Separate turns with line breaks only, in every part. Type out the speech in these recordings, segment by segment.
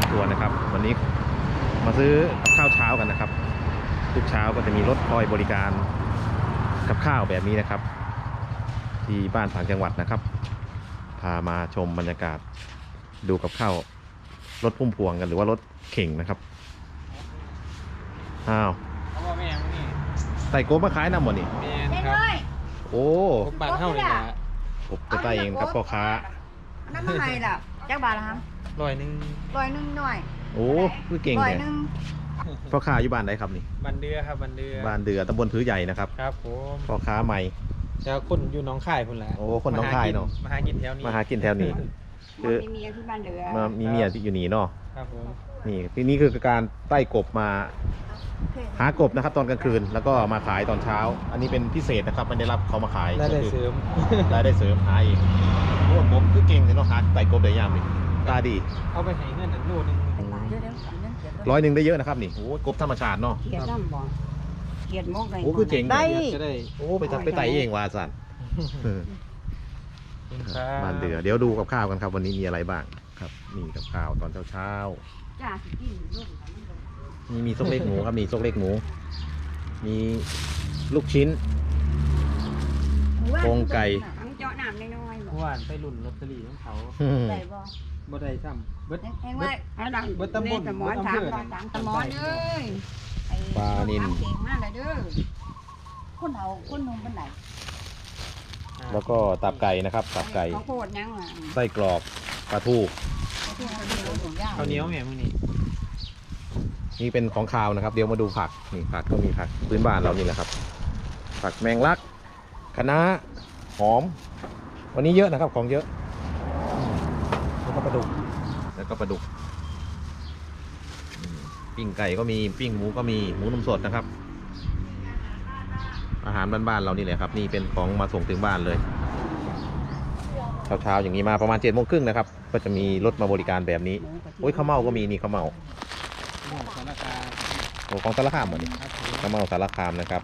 ทัวร์นะครับวันนี้มาซื้อกับข้าวเช้ากันนะครับทุกเช้าก็จะมีรถคอยบริการกับข้าวแบบนี้นะครับที่บ้านต่างจังหวัดนะครับพามาชมบรรยากาศดูกับข้าวรถพุ่มพวงกันหรือว่ารถเข่งนะครับอ้าว
เขาบอกแม่นี่
ไต่โกบมาขายน้ำหมดนี่
แม่นครับ
โอ้
ผมบ้านเฮาเลยนะ
ผมจะไต่เองครับพ่อค้า
น้ำมันไงล่ะจักบาทละครับ
ร้อยหนึง
ร้อยหนึ่งหน่อย
โอ้คือเก่ง
ร้อ
เลย ย
หนึ่ง
พ่อค้าอยู่บ้านไหนครับนี่
บันเดือครับบันเดือ
บ้านเดือตำบลพื้ใหญ่นะครับ
ครับผม
พ่อค้าใหม่
จะคนอยู่หน้องค่ายพุ่นแหละ
โอ้คนหนองคายเนาะ
มาหากินแถวนี้
มาหากินแถวนี้ คือ
มีเมียที่บ้านเดือ
มามีเมียที่อยู่นี่เนาะ
ครับผม
นี่ที่นี่คือการไต่กบมาหากบนะครับตอนกลางคืนแล้วก็มาขายตอนเช้า อันนี้เป็นพิเศษนะครับไม่ได้รับเขามาขาย
รายได้เสริม
รายได้เสริมหาเองโอ้ผมคือเก่งเลยเนาะหาไต่กบได้ยามนี่ตาดี
เอาไปให้เงินอันโลนึง
100ได้เยอะนะครับนี่โอ้กบธรรมชาติเนาะ
เขียดน้ำบ่เขียดมกเลย
โอ้คือเจ๋ง
ได้
จะได้
โอ้ไปไต่เองว่าสัน
คุณครับ
บ้านเดือเดี๋ยวดูกับข้าวกันครับวันนี้มีอะไรบ้างครับนี่กับข้าวตอนเช้า
จ้าสิกินลูก
ๆมีซกเล็กหมูครับมีซกเล็กหมู มีลูกชิ้น โครงไก่
เจาะน้ำน้อยๆ
เมื่อวานไปรุ่นลอตเตอรี่ของเขา
ได้บ่
บ่ได้ซ้ำเบิด
เห็นว่าให้ดัง
เบิดตำบล
สมอนถามเราถามสมอนเอ้ยปลานิลเก่งมากเลยเด้อคนเอาคนนุ่มเป็นไหน
แล้วก็ตับไก่นะครับตับไก่
เขาโคตรยังอ่ะ
ไส้กรอกปลาทู
ข้าวเหนียวแม่มื้อนี้
นี่เป็นของคาวนะครับ เดี๋ยวมาดูผักนี่ผักก็มีผักพื้นบ้านเรานี่แหละครับ ผักแมงลักคะน้าหอม วันนี้เยอะนะครับของเยอะแล้วก็ปลาดุกปิ้งไก่ก็มีปิ้งหมูก็มีหมูนมสดนะครับ อาหารบ้านๆเรานี่แหละครับ นี่เป็นของมาส่งถึงบ้านเลยเช้าๆอย่างนี้มาประมาณ7:30นะครับก็จะมีรถมาบริการแบบนี้โอ้ยข้าวเม่าก็มีนี่ข้าวเม่า
หมูสารคาม
โอ้ของสารคามเหมือนนี่
ครับผม
ข้าวเม่าสารคามนะครับ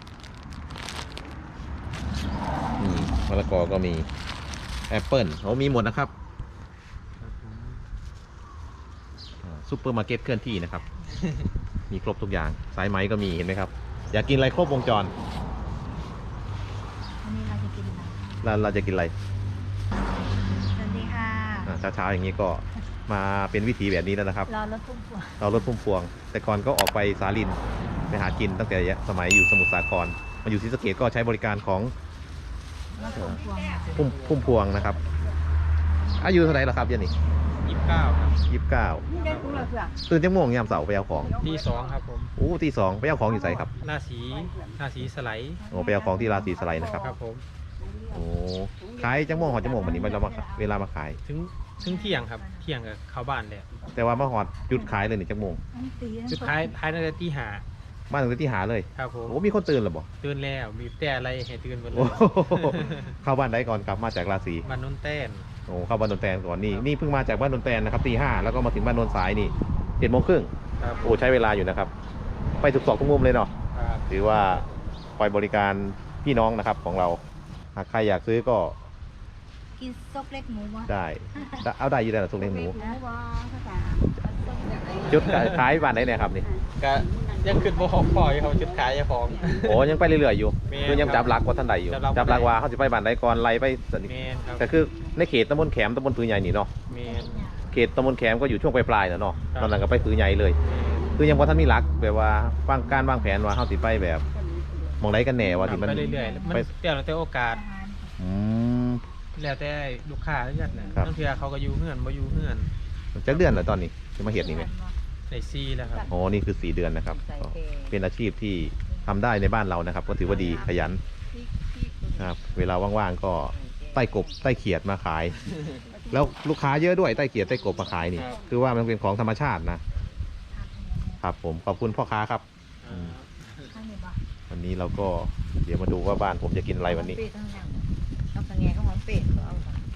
มะละกอก็มีแอปเปิลโอ้มีหมดนะครับ
ครับผม
ซุปเปอร์มาร์เก็ตเคลื่อนที่นะครับ มีครบทุกอย่างสายไหมก็มีเห็นไหมครับ อยากกินอะไรครบวงจร
วันนี้เราจะกินอะไร
เราจะกินอะไร
สวัสดีค่ะ
เช้าๆอย่างนี้ก็มาเป็นวิถีแบบนี้แล้วนะครับ
รอรถพุ่มพวง
เรารถพุ่มพวง แต่ก่อนก็ออกไปสาลินไปหากินตั้งแต่สมัยอยู่สมุทรสาครมาอยู่ศรีสะเกษก็ใช้บริการของ
รถพุ่มพวง
พุ่มพวงนะครับอายุเท่าไหร่แล้วครับเดี๋ยันนี่
29ครับ
29
นี่ได้กุ้งเลยเพื่อน
ตื่นจังโมงยามเสาร์ไปเอาของ
ที่2ครับผม
โอ้ตี 2ไปเอาของอยู่ใส่ครับ
หน้าสีสไลด์
โอ้ไปเอาของที่ราศีสไลด์นะครับ
ครับผม
โอ้ขายจังโมงหอดจังโมงวันนี้เรามาเวลามาขาย
ถึงเที่ยงครับเที่ยงกับเข้าบ้านแล้ว
แต่ว่ามาหอดหยุดขายเลยนี่จังโมง
สุดท้ายตั้งแต่ตีห้า
มาถึงที่หาเลย
ครับผม
โอ้มีคนตื่นหรือเปล่า
ตื่นแล้วมีแต่อะไรให้ตื่นหมดเล
โอ้
ย
เข้าบ้านได้ก่อนครับมาจากราศี
บ้านโนนแต้น
โอ้เข้าบ้านนนแตนก่อนนี่เพิ่งมาจากบ้านนนแตนนะครับตี 5แล้วก็มาถึงบ้านนนสายนี่7:30
ครับ
โอ้ใช้เวลาอยู่นะครับ ไปทุกซอกทุกมุมเลยเนาะ
ครับ
ถือว่าคอยบริการพี่น้องนะครับของเราหากใครอยากซื้อก็
กินซกเล็กหมูวะ
ได้เอาได้อยู่ได้หรอสุกเลี้ยงหมู
หมูวะภาษา
จุดขายบ้านไหนเนี่ยครับนี่
ก็ยังขึ้นบ่หอกพ่ออยู่เขาจุดขายเจ้าของ
โอ้ยังไปเรื่อยๆอยู่
แม่น
คือยังจับหลักว่าท่านใดอยู่
จับหลัก
ว่าเขาจะไปบ้านใดก่อนไล่ไปสนิท
เมนครับ
แต่คือในเขตตำบลแขมตำบลผือใหญ่นี่เนาะ
เมน
เขตตำบลแขมก็อยู่ช่วงปลายๆนะเนาะ
ครับ
ตอนหลังก็ไปผือใหญ่เลย คือยังว่าท่านมีหลักแบบว่าวางแผนว่าเขาสิไปแบบมองไรกันแน่ว่าที่มัน
ไปเรื่อยๆมัน
ไป
แต่โอกาส
อืม
แล้วแต่ลูกค้าเลือกนะครับ บางทีเขาก็อยู่เฮือนบ่อยู่เฮือน
จักเดือนเหรอตอนนี้จะมาเห็ดนี่ไหม
ในซีแล้วครับ
โอ้นี่คือ4 เดือนนะครับก็เป็นอาชีพที่ทำได้ในบ้านเรานะครับ ก็ถือว่าดีขยันครับเวลาว่างๆก็ไต่กบไต่เขียดมาขาย แล้วลูกค้าเยอะด้วยไต่เขียดไต่กบมาขายนี่ คือว่ามันเป็นของธรรมชาตินะครับผมขอบคุณพ่อค้าครับ
ข้างนี้บ่
วันนี้เราก็เดี๋ยวมาดูว่าบ้านผมจะกินอะไรวันนี้
เป็ดข้างหลังเอากระแงข้างหลังเป็ดเอา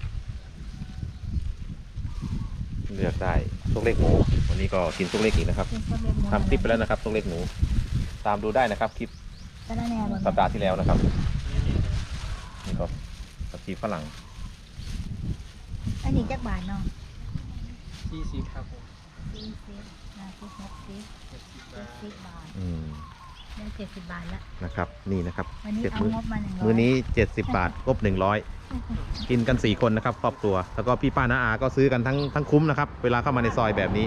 เลือกได้ซุกเล็กหมูวันนี้ก็กินซุกเล็กอีกนะครับทำคลิปไปแล้วนะครับซุกเล็กหมูตามดูได้นะครับคลิป
ก็ได้แน่บน
สัปดาห์ที่แล้วนะครับนี่ก็ผักชีฝรั่ง
อันนี้จักบาทเนาะ
ซีครับผม
อ
40 บาท
ได้70 บาทแล้ว
นะครับนี่นะครับ
วันนี้
เจ็ด
เอา
มื้อ
งบมา100
มื้อนี้70 บาทครบ100กินกัน4คนนะครับครอบครัวแล้วก็พี่ป้าน้าอาก็ซื้อกันทั้งคุ้มนะครับเวลาเข้ามาในซอยแบบนี้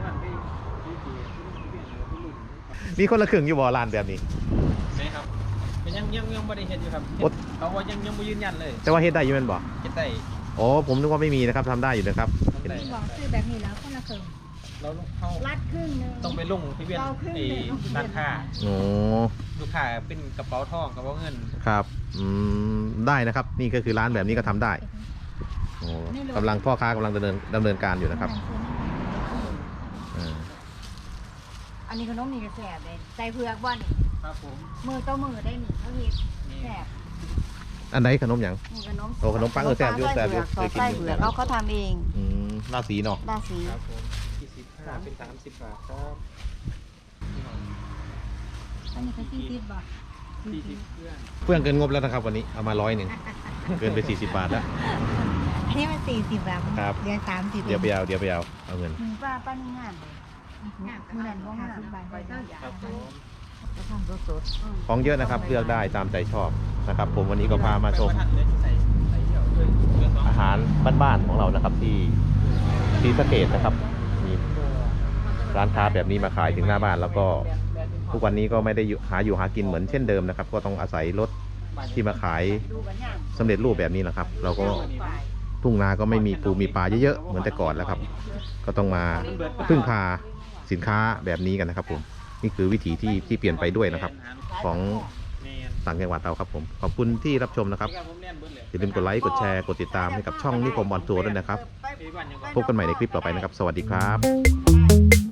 มีคนละครึ่งอยู่บ่ร้านแบบนี้
ใช่ครับเป็นยังไม่ได้เห็นอยู่ครับ
โอ๊ย
เขาว่ายังไม่ยืนยันเลย
แต่ว่าเฮ็ดได้อยู่แม่นบ่
เห็นได้
อ๋อผมนึกว่าไม่มีนะครับทำได้อยู่นะครับ
ทำได้
บอกซื้อแบบนี้แล้วคนละครึ่ง
เราเข้า
รัดครึ่งนึง
ต้องไปลงที่เวียนไอ้ร้านค้า
โอ้
ลูกค้าเป็นกระเป๋าทองกระเป๋าเงิน
ครับได้นะครับนี่ก็คือร้านแบบนี้ก็ทำได้โอ้กำลังพ่อค้ากำลังดำเนินการอยู่นะครับอ่า
อันนี้ขนมนี่ก็แซ่บเลยใส่เผือกบ่นี่
ครับผม
มือต่อมือได้นี่เขาเฮ็ดแซ่บ
อันไหนขนมหยัง
นี่ขนม
โอ้ขนมปังแซ่บอยู่แซ่บอยู่เคยกิน
ใส่
อยู่
เผือกเขาทำเอง
ราศีเนาะ
ราศี
ครับผม25เป็น30 บาทครับ
อันนี้ก็40 บาท
40เพื่อน
เพื่อนเกินงบแล้วนะครับวันนี้เอามา100เกินไป40 บาทแล้ว
อันนี้มัน40 บาท
ครับ
เดือน30
เดี๋ยวไปเอาเงิน
หนึ่งป้านี่งามเลยมือนั่นบ่งาม
บาท
ครับผม
เขาทำสด
ของเยอะนะครับเลือกได้ตามใจชอบนะครับ ผมวันนี้ก็พามาชม
ใส่เดี่ยวด้วย
อาหารบ้านๆของเรานะครับที่ศรีสะเกษนะครับมีร้านค้าแบบนี้มาขายถึงหน้าบ้าน แล้วก็ทุกวันนี้ก็ไม่ได้หากินเหมือนเช่นเดิมนะครับ ก็ต้องอาศัยรถที่มาขาย
ดูกันย่าง
สำเร็จรูปแบบนี้แหละครับ เราก็ทุ่งนาก็ไม่มีปูมีปลาเยอะๆเหมือนแต่ก่อนแล้วครับ ก็ต้องมาพึ่งพาสินค้าแบบนี้กันนะครับผมนี่คือวิถีที่เปลี่ยนไปด้วยนะครับ ของต่างจังหวัดเราครับผมขอบคุณที่รับชมนะครับอย่าลืมกดไลค์กดแชร์กดติดตามให้กับช่องนิคมออนทัวร์ด้วยนะครับ พบกันใหม่ในคลิปต่อไปนะครับ สวัสดีครับ
ไป